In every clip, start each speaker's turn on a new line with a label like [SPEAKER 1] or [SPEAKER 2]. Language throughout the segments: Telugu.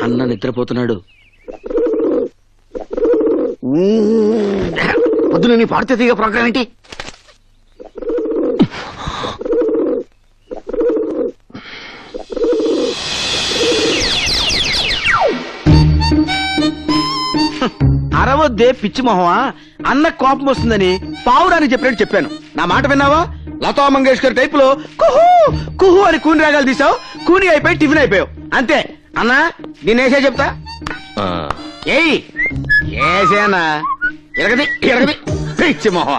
[SPEAKER 1] అన్న నిద్రపోతున్నాడు. పొద్దున నీ పాడితే తీగ ప్రోగ్రామ్ ఏంటి? అరవద్దే పిచ్చి మొహమా, అన్న కోపం వస్తుందని పావురానికి చెప్పినట్టు చెప్పాను. నా మాట విన్నావా? లతా మంగేష్కర్ టైప్ లో కుహు కుహు అని కూని రాగాలు తీసావు. కూని అయిపోయి టిఫిన్ అయిపోయావు అంతే. అన్నా నేనేసే చెప్తా. ఏయ్ ఏసేనా? ఎరగది ఎరగది పిచ్చి మొహమా.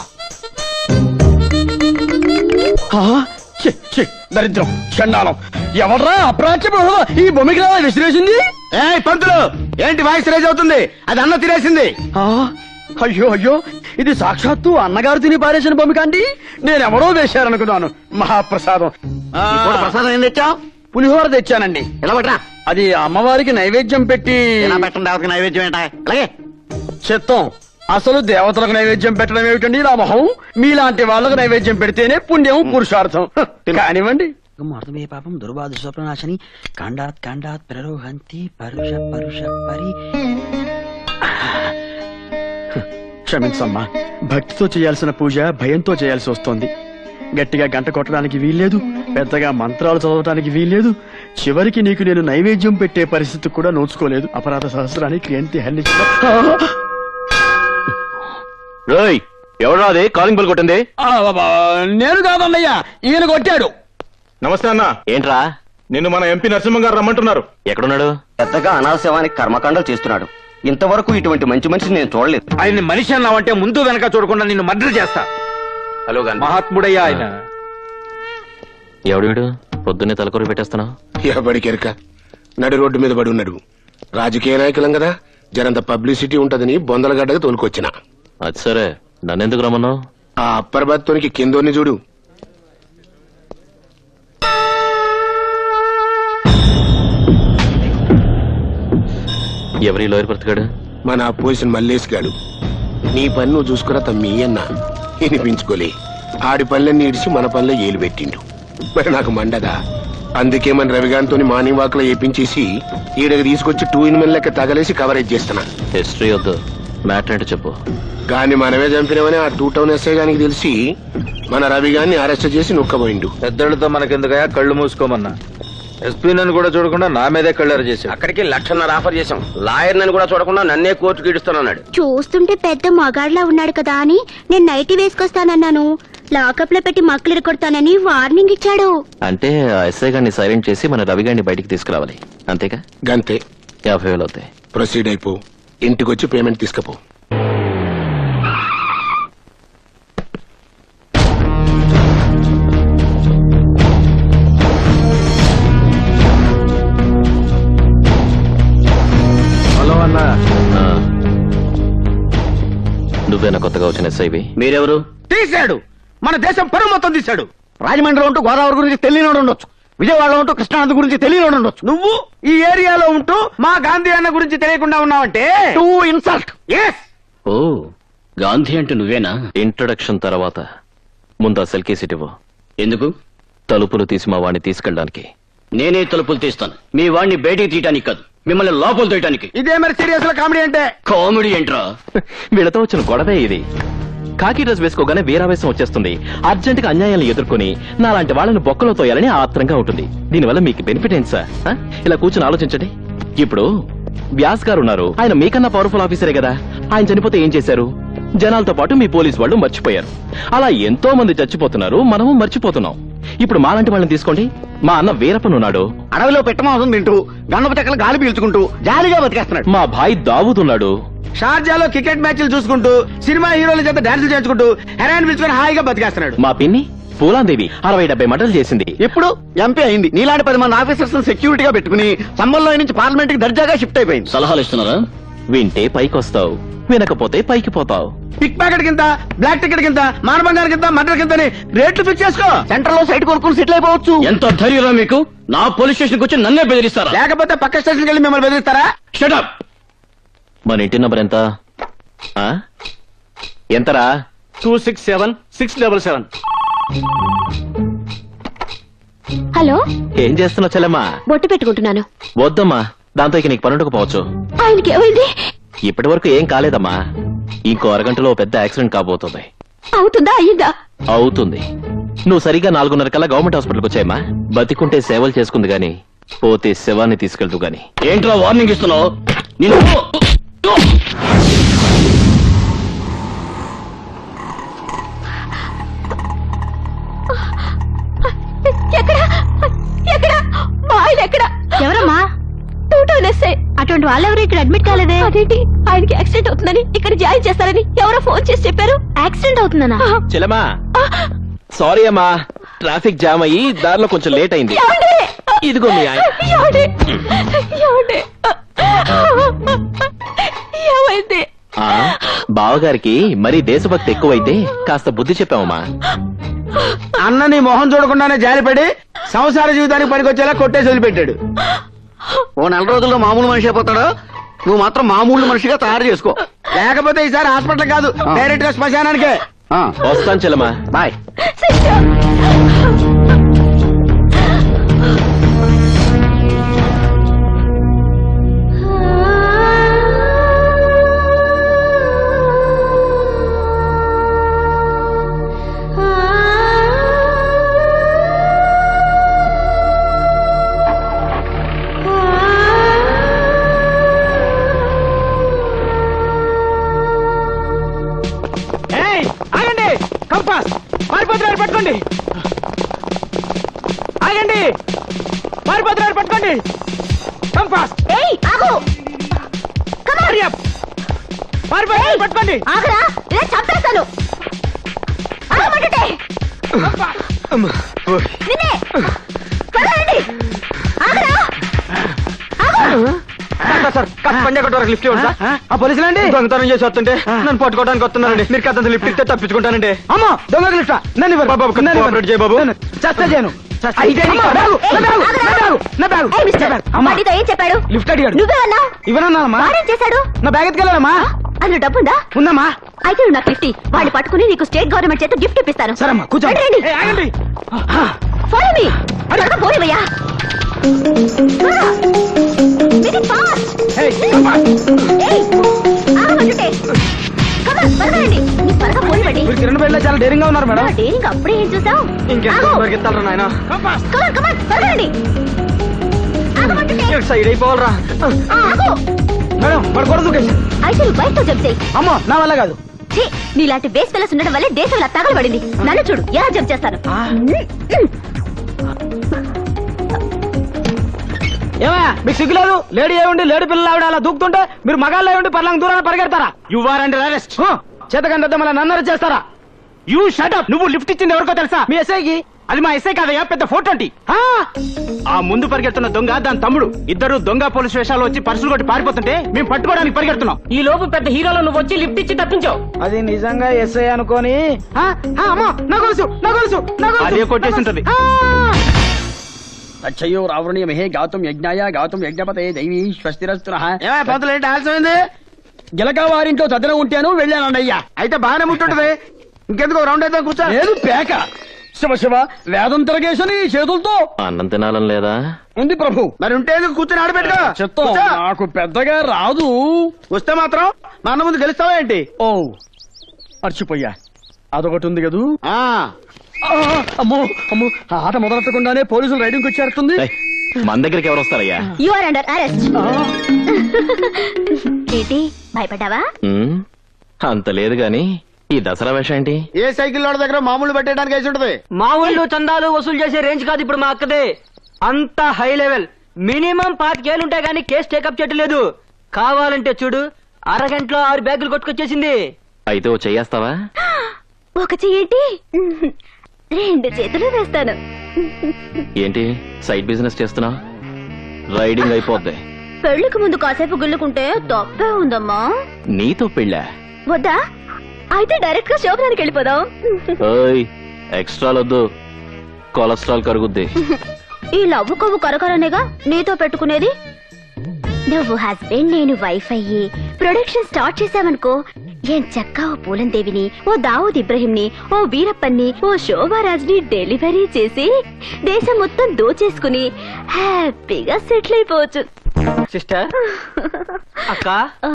[SPEAKER 1] దరిద్రం చండాలం. ఎవడ్రా అప్రాచ్య ఈ బొమ్మికి విసిరేసింది? ఏ పంతులు, ఏంటి వాయిస్ రైజ్ అవుతుంది? అది అన్న తినేసింది. అయ్యో అయ్యో, ఇది సాక్షాత్తు అన్నగారు తిని పారేసిన బొమ్మిక అండి. నేనెవరో వేశారనుకున్నాను. మహాప్రసాదం. ప్రసాదం ఏం తెచ్చావు? పులిహోర తెచ్చానండి. ఎలా పట్రా? అది అమ్మవారికి నైవేద్యం పెట్టి. పెట్టండి నైవేద్యం ఏంటా? అలాగే చిత్తం. అసలు దేవతలకు నైవేద్యం పెట్టడం ఏమిటండి నా మొహం? మీలాంటి వాళ్ళకు నైవేద్యం పెడితేనే పుణ్యం పురుషార్థం. కానివ్వండి.
[SPEAKER 2] మర్దమే పాపం దుర్బాధ స్వప్నాశని కాండాత్ కాండాత్ ప్రరోహంతి పరుష పరుష పరి.
[SPEAKER 3] క్షమించమ్మా, భక్తితో చేయాల్సిన పూజ భయంతో చేయాల్సి వస్తోంది. గట్టిగా గంట కొట్టడానికి వీల్లేదు, పెద్దగా మంత్రాలు చదవటానికి వీల్లేదు. చివరికి నీకు నేను నైవేద్యం పెట్టే పరిస్థితి కూడా నోచుకోలేదు. అపరాధ సహస్రానికి ఏంటి హెల్లించిన.
[SPEAKER 4] ఎవరా అది కాలింగ్ బెల్ కొట్టింది?
[SPEAKER 3] నేను కాదన్నయ్యా, ఈయన కొట్టాడు.
[SPEAKER 4] నమస్తే అన్న. ఏంట్రా? నిన్ను మన ఎంపీ నరసింహ గారు రమ్మంటున్నారు. ఎక్కడున్నాడు?
[SPEAKER 1] పెద్దగా అనాశవానికి కర్మకాండలు చేస్తున్నాడు. ఇంతవరకు ఇటువంటి మంచి మనిషిని నేను చూడలేదు. ఆయన మనిషి అన్నావంటే ముందు వెనక చూడకుండా నిన్ను మర్డర్ చేస్తా. హలో మహాత్ముడయ్యా ఆయన.
[SPEAKER 4] ఎవడు వీడు? పొద్దున్నే తలకొరి పెట్టేస్తున్నావు.
[SPEAKER 5] ఎవడికెరక నడి రోడ్డు మీద పడి ఉన్నాడు. రాజకీయ నాయకులం కదా, జరంత పబ్లిసిటీ ఉంటదని బొందలగడ్డగా తోలుకొచ్చిన.
[SPEAKER 4] అది సరే, నన్నెందుకు రమ్మన్నావు?
[SPEAKER 5] ఆ అప్పర్ బత్తోనికి కిందోని చూడు.
[SPEAKER 4] ఎవరి లోయర్ బ్రతకాడు?
[SPEAKER 5] మన అపోజిషన్ మల్లేష్ గాడు. నీ పని నువ్వు చూసుకురా తమ్మి అన్న. వినిపించుకోలే. ఆడి పనులన్నీ ఇడిచి మన పనిలో ఏలు పెట్టిండు. మరి నాకు మండదా. అందుకే మన రవిగాంతో మార్నింగ్ వాక్ లో ఏపించేసి ఈడకి తీసుకొచ్చి 2 in 1 లెక్క తగలేసి కవరేజ్ చేస్తున్నా.
[SPEAKER 4] హిస్టరీ వద్దు, మ్యాటర్ అంటే చెప్పు.
[SPEAKER 5] గాని మనమే చంపినవని ఆ 2 టౌన్ ఎస్ఐ గానికి తెలిసి మన రవిగాన్ని అరెస్ట్ చేసి నొక్కబోయిండు.
[SPEAKER 1] పెద్దలతో మనకెందుకయా, కళ్ళు మూసుకోమన్నా. ఎస్పీ నన్ను కూడా చూడకుండా నా మీదే కళ్ళారు చేశాం. అక్కడికి 1,00,000 ఆఫర్ చేశాం. లాయర్ నన్ను కూడా చూడకుండా నన్నే కోర్టుకి ఇడుస్తానన్నాడు.
[SPEAKER 6] చూస్తుంటే పెద్ద మగాడ్లా ఉన్నాడు కదా అని నేను నైటీ వేసుకొస్తానన్నాను. లాకప్ లో పెట్టి మక్కలు కొడతానని వార్నింగ్ ఇచ్చాడు.
[SPEAKER 4] అంటే ఎస్ఐ గారిని సైలెంట్ చేసి మన రవి గారిని బయటికి తీసుకురావాలి, అంతేగా?
[SPEAKER 5] గంతే.
[SPEAKER 4] 50,000 అవుతాయి.
[SPEAKER 5] ప్రొసీడ్ అయిపో. ఇంటికొచ్చి పేమెంట్ తీసుకపో.
[SPEAKER 1] హలో అన్న.
[SPEAKER 4] నువ్వేనా కొత్తగా వచ్చిన ఎస్ఐవి?
[SPEAKER 1] మీరెవరు? తీశాడు, మన దేశం పరువు మొత్తం తీశాడు. రాజమండ్రిలో ఉంటూ గోదావరి గురించి తెలియనోడు ఉండొచ్చు, విజయవాడలో ఉంటూ కృష్ణానది గురించి తెలియనోడు ఉండొచ్చు. నువ్వు ఈ ఏరియాలో ఉంటూ మా గాంధీ అన్న గురించి తెలియకుండా ఉన్నావంటే టూ ఇన్సల్ట్.
[SPEAKER 2] ఓ గాంధీ అంటే నువ్వేనా?
[SPEAKER 4] ఇంట్రొడక్షన్ తర్వాత ముందు ఆ సెల్ కేసు ఇవ్వు.
[SPEAKER 2] ఎందుకు?
[SPEAKER 4] తలుపులు తీసి మా వాడిని తీసుకెళ్ళడానికి.
[SPEAKER 2] నేనే తలుపులు తీస్తాను, మీ వాడిని బయటికి తీయటానికి కాదు, మిమ్మల్ని లోపల తీయటానికి.
[SPEAKER 1] ఇదే మరి సీరియస్ లో కామెడీ అంటే?
[SPEAKER 2] కామెడీ ఏంట్రా?
[SPEAKER 4] వీళ్ళతో వచ్చిన గొడవే ఇది. కాకి డ్రెస్ వేసుకోగానే వీరావేశం వచ్చేస్తుంది. అర్జెంట్ గా అన్యాయాలను ఎదుర్కొని నాలాంటి వాళ్ళని బొక్కలో తోయాలని ఆత్రంగా ఉంటుంది. దీనివల్ల మీకు బెనిఫిట్ ఏంటి సార్? ఇలా కూర్చొని ఆలోచించండి. ఇప్పుడు వ్యాస్ గారు ఉన్నారు, ఆయన మీకన్నా పవర్ఫుల్ ఆఫీసరే కదా. ఆయన చనిపోతే ఏం చేశారు? జనాలతో పాటు మీ పోలీసు వాళ్ళు మర్చిపోయారు. అలా ఎంతో మంది చచ్చిపోతున్నారు, మనము మర్చిపోతున్నాం. ఇప్పుడు మాలాంటి వాళ్ళని తీసుకోండి. మా అన్న వీరప్పన్ ఉన్నాడు,
[SPEAKER 1] అడవిలో పెట్టమాసం తింటూ గండప చెక్కలు గాలి పీల్చుకుంటూ జాలీగా బతికేస్తున్నాడు.
[SPEAKER 4] మా భాయ్ దావూద్ ఉన్నాడు,
[SPEAKER 1] షార్జాలో క్రికెట్ మ్యాచ్లు చూసుకుంటూ సినిమా హీరోల చేత డాన్సులు చేయించుకుంటూ హెరాయిన్ పిలుచుకుని హాయిగా బతికేస్తున్నాడు.
[SPEAKER 4] మా పిన్ని పూలాందేవి 60-70 మటలు చేసింది.
[SPEAKER 1] ఇప్పుడు ఎంపీ అయింది. నీలాంటి 10 మంది ఆఫీసర్స్ సెక్యూరిటీగా పెట్టుకుని సంబంధంలో నుంచి పార్లమెంట్ కి దర్జాగా షిఫ్ట్ అయిపోయింది.
[SPEAKER 2] సలహాలు ఇస్తున్నారా?
[SPEAKER 4] వింటే పైకి వస్తావు, వినకపోతే పైకి పోతావు.
[SPEAKER 1] పిక్ ప్యాకెట్ కింద, బ్లాక్ టికెట్ కింద, మానబంగారం కింద, మర్డర్ కింద రేట్లు ఫిక్స్ చేసుకో. సెంటర్ లో సైట్ కొనుక్కుని సెటిల్ అయిపోవచ్చు.
[SPEAKER 2] ఎంత ధైర్యం మీకు? నా పోలీస్ స్టేషన్ కు వచ్చి నన్నే బెదిరిస్తారా?
[SPEAKER 1] లేకపోతే పక్క స్టేషన్కి వెళ్ళి మిమ్మల్ని బెదిరిస్తారా?
[SPEAKER 2] Shut up.
[SPEAKER 4] మన ఇంటి నంబర్ ఎంత? ఎంతరా?
[SPEAKER 3] 267-677.
[SPEAKER 6] హలో,
[SPEAKER 4] ఏం చేస్తున్నావు చెల్లెమ్మా?
[SPEAKER 6] బొట్టు పెట్టుకుంటున్నాను.
[SPEAKER 4] వద్దమ్మా, దాంతో ఇక నీకు పనుండకపోవచ్చు.
[SPEAKER 6] ఆయనకి ఏమైంది?
[SPEAKER 4] ఇప్పటి వరకు ఏం కాలేదమ్మా. ఇంకో అరగంటలో ఓ పెద్ద యాక్సిడెంట్ కాబోతుంది.
[SPEAKER 6] అవుతుందా అయ్యిందా?
[SPEAKER 4] అవుతుంది. నువ్వు సరిగ్గా 4:30 కల్లా గవర్నమెంట్ హాస్పిటల్కి వచ్చాయమ్మా. బతికుంటే సేవలు చేసుకుంది గాని పోతే శవాన్ని తీసుకెళ్తూ గాని.
[SPEAKER 1] ఏంట్రా వార్నింగ్ ఇస్తున్నావు? నిన్ను
[SPEAKER 6] ఎక్కడ ఎక్కడ మా ఆయన ఎక్కడ? ఎవరమ్మా? అటువంటి వాళ్ళెవరు ఇక్కడ అడ్మిట్ కాలేదే? అదేంటి ఆయనకి యాక్సిడెంట్ అవుతుందని ఇక్కడ జాయిన్ చేస్తారని ఎవరో ఫోన్ చేసి చెప్పారు. యాక్సిడెంట్ అవుతుందనా?
[SPEAKER 4] చెల్లెమ్మా సారీ అమ్మా, ట్రాఫిక్ జామ్ అయ్యి దారిలో కొంచెం లేట్ అయింది. ఇదిగో మీ ఆయన.
[SPEAKER 6] ఏమైంది?
[SPEAKER 4] బావగారికి మరీ దేశభక్తి ఎక్కువైతే కాస్త బుద్ధి చెప్పామమ్మా.
[SPEAKER 1] అన్న నీ మొహం చూడకుండానే జారిపడి సంసార జీవితానికి పనికొచ్చేలా కొట్టేసి వదిలిపెట్టాడు. ఓ 4 రోజుల్లో మామూలు మనిషి అయిపోతాడు. నువ్వు మాత్రం మామూలు మనిషిగా తయారు చేసుకో. లేకపోతే ఈసారి హాస్పిటల్ కాదు, డైరెక్ట్ గా శ్మశానానికే.
[SPEAKER 4] వస్తాను చెల్లెమ్మా.
[SPEAKER 1] బాయ్. ఆగండి, కంపాస్ మారిపోతున్నారు, పట్టుకోండి. ఆగండి, మారిపోతున్నారు, పట్టుకోండి. కంపాస్ మారిపోతున్నారు, పట్టుకోండి.
[SPEAKER 6] ఆగరా ఇలా చంపేస్తాను. నిన్నే పదండి. ఆగరా
[SPEAKER 3] సార్ పంజాగట్ వరకు లిఫ్ట్ ఇవ్వండి సార్.
[SPEAKER 1] ఆ పోలీసులు అండి
[SPEAKER 3] దొంగతనం చేసి వస్తుంటే నన్ను పట్టుకోవడానికి వస్తున్నారండి. మీరు కథ లిఫ్ట్ ఇస్తే తప్పించుకుంటానండి.
[SPEAKER 1] అమ్మా దొంగకి లిఫ్ట్ నన్ను ఇవ్వరు.
[SPEAKER 3] బాబు కోఆపరేట్ చేయ బాబు.
[SPEAKER 1] చస్తా చేయను.
[SPEAKER 6] వాడితో ఏం చెప్పాడు?
[SPEAKER 1] లిఫ్ట్ అడిగాడు.
[SPEAKER 6] నువ్వేమన్నావు?
[SPEAKER 1] ఇవ్వనన్నానమ్మా.
[SPEAKER 6] వాడేం చేశాడు?
[SPEAKER 1] నా బ్యాగ్ ఎత్తుకెళ్ళానమ్మా.
[SPEAKER 6] అందులో డబ్బుందా?
[SPEAKER 1] ఉందమ్మా.
[SPEAKER 6] అయితే నువ్వు నాకు గిఫ్ట్ వాడిని పట్టుకుని నీకు స్టేట్ గవర్నమెంట్ చేత గిఫ్ట్ ఇప్పిస్తాను.
[SPEAKER 1] సరేమ్మా కూర్చోండి.
[SPEAKER 6] రండి.
[SPEAKER 1] ఏయ్, ఆగండి.
[SPEAKER 6] Follow me. పోనివయ్యా.
[SPEAKER 1] ఏయ్, come on.
[SPEAKER 6] ఆగమంటుంటే పరగండి. నీ త్వరగా పోనివ్వండి.
[SPEAKER 1] మీరు కిరణ్ బయట చాలా డేరింగ్ గా ఉన్నారు మేడం.
[SPEAKER 6] డేరింగ్ అప్పుడే ఏం చూసావు?
[SPEAKER 3] ఇంకెంత పరిగెత్తాలరా నాయన.
[SPEAKER 6] పరగండి. ఆగమంటుంటే
[SPEAKER 3] సైడ్ అయిపోవాలరా.
[SPEAKER 6] ఆగు.
[SPEAKER 1] మేడం వాడు కూడా దూకేసి.
[SPEAKER 6] అయితే నువ్వు బయటతో జంప్ చేయి.
[SPEAKER 1] అమ్మో నా వల్ల కాదు.
[SPEAKER 6] ఛీ, నీలాంటి బేస్ పిల్లస్ ఉండడం వల్లే దేశం ఇలా తగలబడింది. నన్ను చూడు ఎలా జంప్ చేస్తాను.
[SPEAKER 1] ఏమయ్యా మీకు సిగ్గులేదు? లేడీ ఏముండి లేడీ పిల్లలు ఆవిడ అలా దూకుతుంటే మీరు మగాళ్ళు ఏముండి పర్లాంగ దూరాన్ని పరిగెడతారా? You are under arrest. చేతకంటే మళ్ళీ నన్ను అరెస్ట్ చేస్తారా? You shut up. నువ్వు లిఫ్ట్ ఇచ్చింది ఎవరికో తెలుసా? మీ ఎస్ఐకి. అది మా ఎస్ఐ కాదయ్యా, పెద్ద 420. ఆ ముందు పరిగెడుతున్న దొంగ దాని తమ్ముడు ఇద్దరు దొంగ పోలీస్ వేషాలు వచ్చి పర్సులు కొట్టి పారిపోతుంటే మేము పట్టుకోవడానికి పరిగెడుతున్నాం. ఈ లోపు పెద్ద హీరోలో నువ్వు వచ్చి లిఫ్ట్ ఇచ్చి తప్పించావు. అది నిజంగా ఎస్ఐ అనుకోని అదే కొట్టేసి ఉంటది.
[SPEAKER 3] అచ్చయ్యో రావణీయమహే గాతుం యజ్ఞాయ గాతుం యజ్ఞపతే దైవీ స్వస్తిరస్తునః.
[SPEAKER 1] పంతులు ఏంటి ఆలస్యమైంది?
[SPEAKER 3] గిలక వారింట్లో చదన ఉంటాను వెళ్ళానయ్యా.
[SPEAKER 1] అయితే బాగానే ముట్టుంటది. ఇంకెందుకు రౌండ్ అయితే కూర్చో.
[SPEAKER 3] లేదు పేక. శివ శివ వేదం తిరగేసని చేతులతో
[SPEAKER 4] అన్నం తినాలని లేదా?
[SPEAKER 3] ఉంది ప్రభు.
[SPEAKER 1] మరి ఉంటే ఎందుకు కూర్చొని ఆడబెట్టుకో.
[SPEAKER 3] చెత్తం నాకు పెద్దగా రాదు.
[SPEAKER 1] వస్తే మాత్రం మా అన్న ముందు గెలుస్తావా ఏంటి?
[SPEAKER 3] ఓ మర్చిపోయా, అదొకటి ఉంది కదూ.
[SPEAKER 1] ఆ
[SPEAKER 3] అమ్మో అమ్మో, ఆ ఆట మొదలెట్టకుండానే పోలీసులు రైడింగ్ వచ్చేస్తుంది.
[SPEAKER 4] ఏయ్, మన దగ్గరికి ఎవరు వస్తారయ్యా?
[SPEAKER 6] You are under arrest. ఏంటి భయపడ్డావా?
[SPEAKER 4] అంత లేదు గాని ఈ దసరా వేషం ఏంటి?
[SPEAKER 1] ఏ సైకిల్ వాడి దగ్గర మామూలు పెట్టడానికి వేసి ఉంటది.
[SPEAKER 2] మా ఊళ్ళో చందాలు వసూలు చేసే రేంజ్ కాదు ఇప్పుడు మా అక్కదే. అంత హై లెవెల్. మినిమం 5 ఏళ్ళు ఉంటాయి కానీ కేసు టేకప్ చేయట్లేదు. కావాలంటే చూడు, అరగంటలో 6 బ్యాగులు కొట్టుకొచ్చేసింది.
[SPEAKER 4] అయితే ఓ చెయ్యేస్తావా?
[SPEAKER 6] ఒక చెయ్యేంటి, 2 చేతులు వేస్తాను.
[SPEAKER 4] ఏంటి సైడ్ బిజినెస్ చేస్తున్నావు? రైడింగ్ అయిపోద్ది.
[SPEAKER 6] పెళ్లికి ముందు కాసేపు గుల్లుకుంటే తప్పే ఉందమ్మా.
[SPEAKER 4] నీతో పెళ్ళా?
[SPEAKER 6] వద్దా? అయితే డైరెక్ట్ గా శోభనానికి వెళ్ళిపోదాం.
[SPEAKER 4] ఎక్స్ట్రాలొద్దు, కొలెస్ట్రాల్ కరుగుద్ది.
[SPEAKER 6] ఈ లవ్వు కొవ్వు కరకరనేగా నీతో పెట్టుకునేది. నువ్వు హస్బెండ్ నేను వైఫ్ అయ్యి ప్రొడక్షన్ స్టార్ట్ చేసావనుకో, ఏం చక్కా ఓ పూలందేవిని, ఓ దావూద్ ఇబ్రహీంని, ఓ వీరప్పన్ని, ఓ శోభారాజ్ని డెలివరీ చేసి దేశం మొత్తం దోచేసుకుని హ్యాపీగా సెటిల్ అయిపోవచ్చు.
[SPEAKER 2] సిస్టర్ అక్క